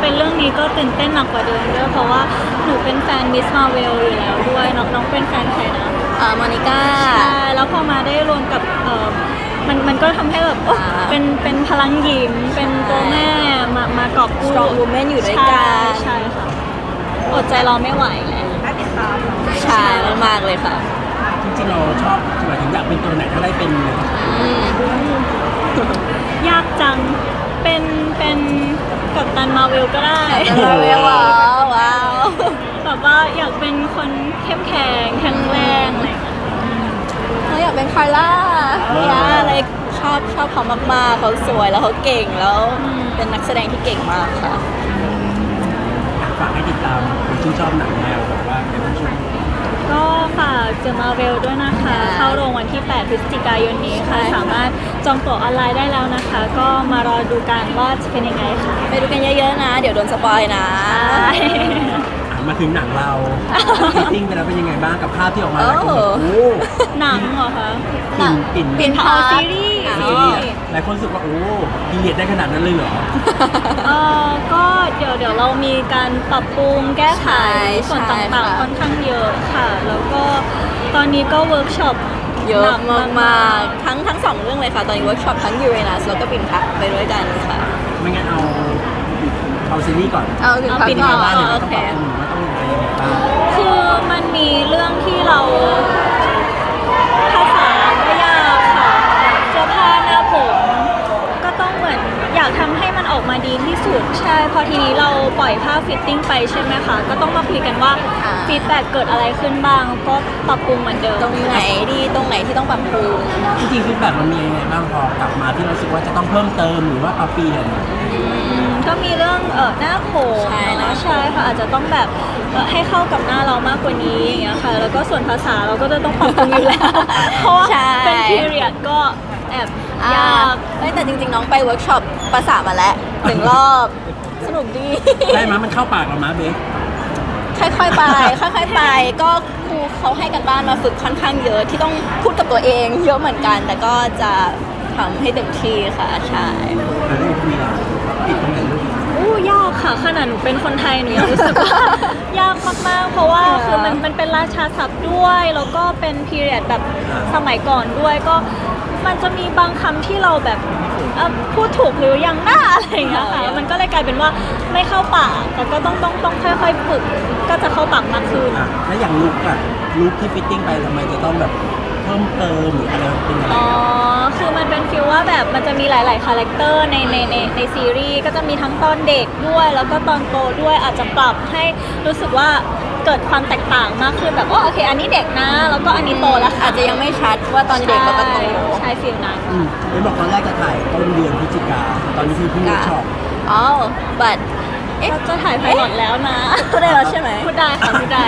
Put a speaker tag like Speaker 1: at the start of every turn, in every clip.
Speaker 1: เป็นเรื่องนี้ก็ตื่นเต้นหนักกว่าเดิมด้วยเพราะว่าหนูเป็นแฟนมิสมาเวลอยู่แล้วด้วยน้องเป็นแฟนใครนะ
Speaker 2: มอนิก้า
Speaker 1: ใช่แล้วพอมาได้รวมกับมันก็ทำให้แบบเป็นพลังหญิงเป็นตัวแม่มากอบกู้
Speaker 2: strong woman อยู่ด้วยกัน
Speaker 1: ใช่ค่ะอดใจรอไม่ไหวแล้วน่าติดตาม
Speaker 2: ใช่มากเลยค่ะ
Speaker 3: จริงๆเราชอบหมายถึงอยากเป็นตัวไหนถ้าได้เป็น
Speaker 1: ยากจังเป็นกัปตันมาเวลก็ได้
Speaker 2: มาเวลว้าว
Speaker 1: แบบว่าอยากเป็นคนเข้มแข็งแข็งแรงอะไร
Speaker 2: เขาอยากเป็นคาร่าอะไรชอบเขามากๆเขาสวยแล้วเขาเก่งแล้วเป็นนักแสดงที่เก่งมากค่ะ
Speaker 3: ฝากให้ติดตามคนที่ชอบหนังแนวแบบว่าในช่วง
Speaker 1: ก็ฝากเจอมาเวลด้วยนะคะเข้าโรงวันที่ 8 พฤศจิกายนนี้ค่ะสามารถจองตั๋วออนไลน์ได้แล้วนะคะก็มารอดูกันว่าจะเป็นยังไงค่ะ
Speaker 2: ไปดูกันเยอะๆนะเดี๋ยวโดนสปอยนะ
Speaker 3: มาถึงหนังเราฟิตติ้งไปแล้วเป็นยังไงบ้างกับภาพที่ออกมาหลายคนแบบโอ้
Speaker 1: หนังเหรอคะ
Speaker 2: ปิ่นพา
Speaker 1: ซีรีส์
Speaker 3: หลายคนรู้สึกว่าโอ้พีเรียดได้ขนาดนั้นเลยเหรอ
Speaker 1: ก็เดี๋ยวเรามีการปรับปรุงแก้ไขส่วนต่างๆค่อนข้างเยอะค่ะแล้วก็ตอนนี้ก็เวิร์กช็อป
Speaker 2: เยอะมากๆทั้งสองเรื่องเลยค่ะตอนนี้เวิร์กช็อปทั้งยูเรนัสแล้วก็ปิ่นพักไปด้วยกันค่ะ
Speaker 3: ไม่งั้นเอาซีรีส์ก่อน
Speaker 2: เอาปิ่นพัก
Speaker 3: บ้านเนี่ยต้องปรับปรุงว่าต้องอะไรยังไงบ้าง
Speaker 1: คือมันมีเรื่องที่เราภาษาก็ยากค่ะเสื้อผ้าหน้าผมก็ต้องเหมือนอยากทำให้มันออกมาดีที่สุดใช่พอทีนี้เราปล่อยภาพฟิตติ้งไปใช่ไหมคะก็ต้องมาคุยกันว่าฟีดแบ็กเกิดอะไรขึ้นบ้างก็ปรับปรุงเหมือนเดิม
Speaker 2: ตรงไหนดีตรงไหนที่ต้องปรับปรุง
Speaker 3: จริงๆฟีดแบ็กมันมียังไงบ้างพอกลับมาที่เราสึกว่าจะต้องเพิ่มเติมหรือว่าปรับเปลี่ยน
Speaker 1: ก็มีเรื่องหน้าผมใช่ค่ะอาจจะต้องแบบให้เข้ากับหน้าเรามากกว่านี้อย่างเงี้ยค่ะแล้วก็ส่วนภาษาเราก็จะต้องปรับปรุงอยู่แล้วเพราะว่าเป็น period ก็แอบยาก
Speaker 2: แต่จริงๆน้องไปเวิร์กช็อปภาษามาแล้ว1 รอบสนุกดี
Speaker 3: ได้มั้ยมันเข้าปากเรามั้ยเบค
Speaker 2: ค่อยๆไปก็ครูเขาให้กันบ้านมาฝึกค่อนข้างเยอะที่ต้องพูดกับตัวเองเยอะเหมือนกันแต่ก็จะทำให้เต็มที่ค่ะใช่
Speaker 3: แล้วได้คุยอ่ะติดตรงไหนลูก
Speaker 1: ยากค่ะขนาดหนูเป็นคนไทยหนูยังรู้สึกว่ายากมากๆเพราะว่าคือมันเป็นราชาศัพท์ด้วยแล้วก็เป็นพีเรียดแบบสมัยก่อนด้วยก็มันจะมีบางคำที่เราแบบพูดถูกหรือยังหน้าอะไรอย่างเงี้ยค่ะมันก็เลยกลายเป็นว่าไม่เข้าปากแต่ก็ต้องค่อยๆฝึกก็จะเข้าปากมากขึ้น
Speaker 3: แล้วอย่างลุคที่ฟิตติ้งไปทำไมจะต้องแบบเพิ่มเติมหรืออะไรเป็นอะไร
Speaker 1: คือมันเป็นฟีลว่าแบบมันจะมีหลายๆคาแรคเตอร์ในซีรีส์ก็จะมีทั้งตอนเด็กด้วยแล้วก็ตอนโตด้วยอาจจะปรับให้รู้สึกว่าเกิดความแตกต่างมากขึ้นแบบโอเคอันนี้เด็กนะแล้วก็อันนี้โตแล้ว
Speaker 2: อาจจะยังไม่ชัดว่าตอนเด็กแล้วก็โต
Speaker 1: ใช่ฟีลนั้น
Speaker 3: ไม่บอกตอนแรกจะถ่ายต้นเดือนพฤศจิกาตอนนี้คือเพิ่งเวิร์กช็อป
Speaker 2: but
Speaker 1: จะถ่ายไพลอตแล้วนะ
Speaker 2: พูดได้แล้วใช่ไหม
Speaker 1: พูดได้ค่ะพูดได้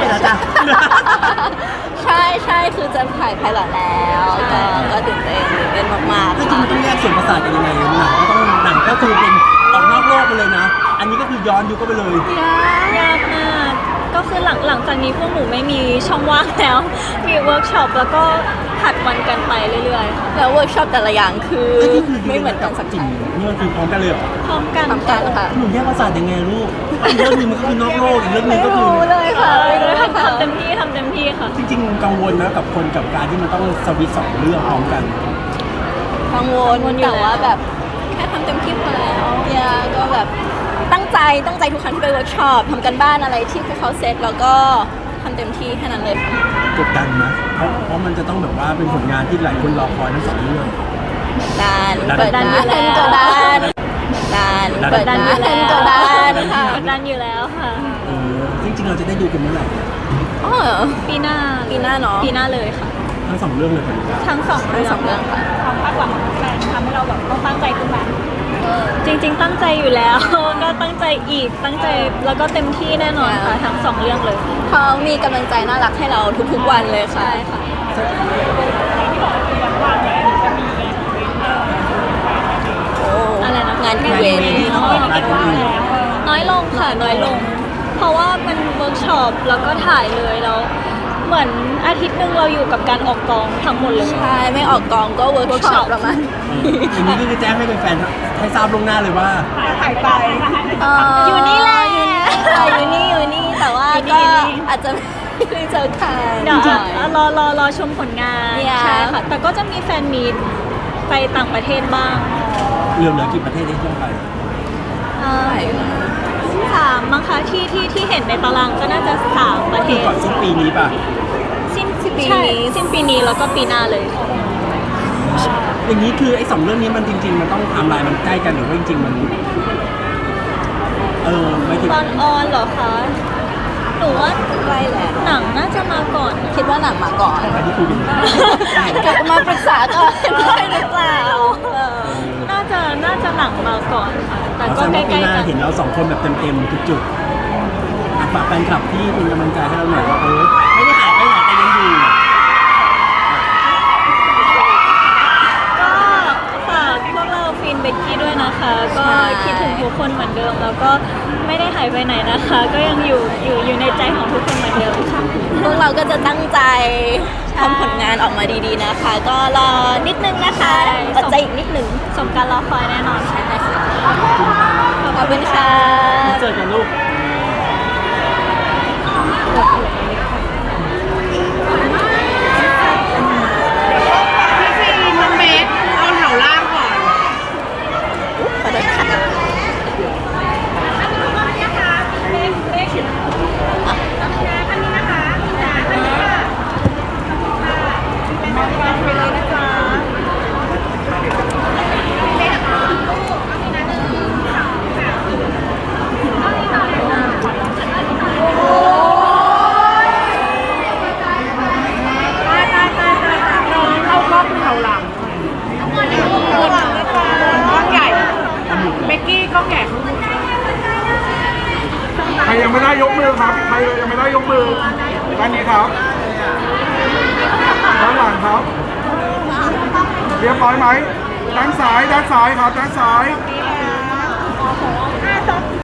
Speaker 2: ใช่คือจะถ่ายไพลอตแล้วก็ตื่นเต้นมากๆ
Speaker 3: จริงๆมันต้องแยกส่วนประสาทกันยังไงหนังก็คือเป็นออกนอกโลกไปเลยนะอันนี้ก็คือย้อนยุคก็ไปเลย
Speaker 1: ยากมากก็คือหลังจากนี้พวกหนูไม่มีช่องว่างแล้วมีเวิร์กช็อปแล้วก็ผัดวันกันไปเรื่อยๆ
Speaker 2: แล้วเวิร์กช็อปแต่ละอย่างคือไม่เหมือนกันสักที
Speaker 3: นี่มันคือพร้อมกันเลยเหรอ
Speaker 1: พร้อมกัน
Speaker 2: ค่ะ
Speaker 3: หนูแยกประสาทยังไงลูกเรื่องนึงมันก็คือนอกโลกอีกเรื่องนึงก็คือ
Speaker 1: เลยค่ะทำเต็มที่ค่ะ
Speaker 3: จริงๆกังวลนะกับคนกับการที่มันต้องสวิตช์2 เรื่องพร้อมกัน
Speaker 2: กังวลแต่ว่าแบบแค่ทำเต็มที่พอแล้วก็แบบตั้งใจทุกครั้งที่ไปเวิร์กช็อปทำกันบ้านอะไรที่เขาเซตแล้วก็ทำเต็มที่แค่นั้นเลย
Speaker 3: กดดันนะเพราะมันจะต้องแบบว่าเป็นผลงานที่หลายคนรอคอยทั้ง2 เรื่อง
Speaker 2: เปิดดันอยู่แล้ว
Speaker 1: ค่ะ
Speaker 3: จริงๆเราจะได้ดูกันเมื่อไหร่
Speaker 1: ปีหน้า
Speaker 2: เนาะ
Speaker 1: ปีหน้าเลยค่ะ
Speaker 3: ทั้ง2 เรื่องเลย
Speaker 1: ทั้ง2 เรื่อง
Speaker 2: ค่ะ
Speaker 1: ความคาดหวังของแฟนทำให้เราแบบต้องตั้งใจขึ้นมาจริงๆตั้งใจอยู่แล้วก็ตั้งใจอีกตั้งใจแล้วก็เต็มที่แน่นอนค่ะทั้ง2 เรื่องเลย
Speaker 2: เขามีกำลังใจน่ารักให้เราทุกๆวันเลยค่ะ
Speaker 1: ใช่ค่ะอะไรนะ
Speaker 2: งานอีเวนต์
Speaker 1: น้อยลงค่ะน้อยลงเพราะว่ามันเวิร์กช็อปแล้วก็ถ่ายเลยแล้วเหมือนอาทิตย์หนึ่งเราอยู่กับการออกกองทั้งหมดเลย
Speaker 2: ใช่ไม่ออกกองก็เวิร์กช็อปประมาณ
Speaker 3: อย่างนี้ก็คือแจ้งให้แฟนๆให้ทราบล่วงหน้าเลยว่า
Speaker 2: หายไป
Speaker 1: อยู่นี่แหละ
Speaker 2: อยู่นี่แต่ว่า
Speaker 1: อยู่นี่
Speaker 2: ก็อาจจะไม่ได้เจอกัน
Speaker 1: เดี๋ยวรอชมผลงาน
Speaker 2: เนี่ย
Speaker 1: ใช่ค่ะ แต่ก็จะมีแฟนมีตไปต่างประเทศบ้าง
Speaker 3: เหลือกี่ประเทศที่ต้องไป
Speaker 1: สามมั้งคะที่เห็นในตารางก็น่าจะ3ประเท
Speaker 3: คือ
Speaker 1: ศ
Speaker 3: ก่อนสิ้นปีนี้ป่ะ
Speaker 1: สิ้นปีนี้แล้วก็ปีหน้าเลย
Speaker 3: อย่างนี้คือไอ้2เรื่องนี้มันจริง ๆ มันต้องไทม์ไลน์มันใกล้กันหรือว่าจริงๆมันไม่ถึง
Speaker 1: ตอนออนเหรอคะหนูว่า
Speaker 2: ใกล้แล้ว
Speaker 1: หนังน่าจะมาก่อน
Speaker 2: คิดว่าหนังมาก่อน
Speaker 3: อันนี้คุยกัน
Speaker 2: กลับมาปรึกษาก่อนได้หรือเปล่า
Speaker 1: น่าจะหนังมาก่อนค่ะแต่ก็
Speaker 3: แสดง
Speaker 1: ใก
Speaker 3: ว่าปี
Speaker 1: ล้
Speaker 3: หน้า
Speaker 1: ๆกัน
Speaker 3: เห็นเรา2คนแบบเต็มๆทุกจุดฝากแฟนคลับที่เป็นกำลังใจให้เราหน่อยว่าไม่ได้หายไปไหนแต่ยังอยู่
Speaker 1: ก็ฝากพวกเราฟินเบกกี้ด้วยนะคะ ก็
Speaker 2: ใช่
Speaker 1: คิดถึงทุกคนเหมือนเดิม แล้วก็ไม่ได้หายไปไหนนะคะ ก็ยังอยู่ในใจของทุกคนเหมือนเดิมค่ะ
Speaker 2: พวกเราก็จะตั้งใจทำผลงานออกมาดีๆนะคะ ก็รอนิดนึงนะคะ
Speaker 1: ใช่
Speaker 2: อดใจอีกนิดนึง
Speaker 1: สมการรอคอยแน่นอนค่ะ
Speaker 2: ขอบคุณค่ะ
Speaker 3: เจอกันลูก
Speaker 4: พี่น้องเบสเอาแถวล่างก่อน
Speaker 2: ขอโทษค่ะ
Speaker 4: น้องเข้ากล้องแถวหลังกล้องใหญ่เบกกี้กล้องใหญ่ข้างบน
Speaker 5: ใครยังไม่ได้ยกมือครับ ใครยังไม่ได้ยกมือด้านนี้ครับด้านหลังครับ เรียบร้อยไหมด้านซ้ายครับด้านซ้าย